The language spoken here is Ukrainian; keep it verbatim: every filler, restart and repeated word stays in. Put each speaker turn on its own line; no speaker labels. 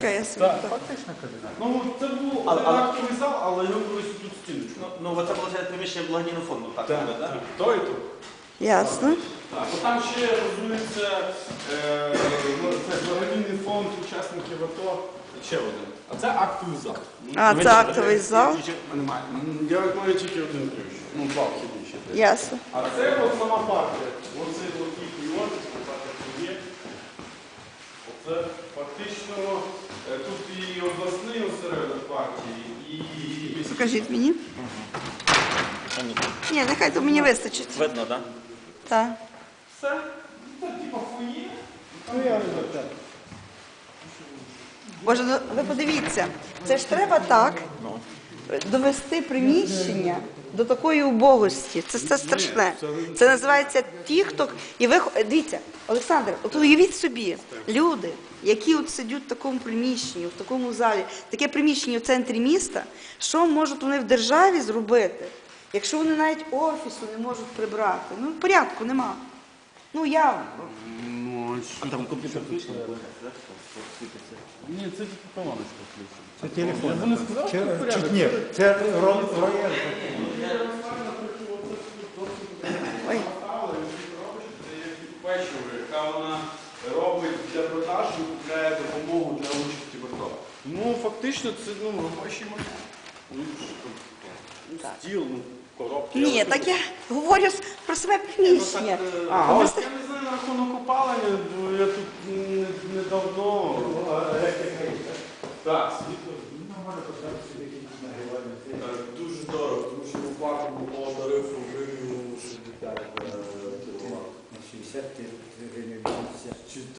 Так, фактично кабінет.
Ну, це був
Але- але-
актовий зал, але його колись тут стіночку.
Ну, ну оце виходить приміщення благодійного фонду, так?
Так,
буде,
так. То і то.
Ясно.
Так, бо там ще розвивається е, ну, це благодійний фонд учасників АТО. Ще один. А це актовий зал.
А, це актовий зал.
Немає. Я маю тільки один ключ. Ну, два вхідні ще. теж.
Ясно.
А це от сама партія. Оцей блокітний офіс, партія є. Оце фактично е, тут і обласний осередок партії, і...
Покажіть мені. Ні, нехай то мені вистачить.
Видно, так?
Так.
Все. Ну, так, типа фоє.
Ну, я не знаю.
Боже, ну ви подивіться, це ж треба так довести приміщення до такої убогості. Це, це страшне. Це називається ті, хто... І ви... Дивіться, Олександр, от уявіть собі, люди, які от сидять в такому приміщенні, в такому залі, таке приміщення в центрі міста, що можуть вони в державі зробити, якщо вони навіть офісу не можуть прибрати? Ну, порядку нема. Ну, я...
А там комп'ютер включений.
Ні, це тільки колоночка включена.
Це телефон.
Я не сказав, що
Чи-
це порядок.
чи- Ні, це ро- рояль.
Ой.
Печиво, яка вона робить для продажу, купляє допомогу для участі в АТО. Ну, фактично, це ну, робочий майдан. Ну, що там, ну, стіл, ну, коробки.
Ні, так я говорю про себе приміщення.
А,
Ви
ось
просто-
я не знаю на рахунок опалення, бо я тут не- недавно. Так, світло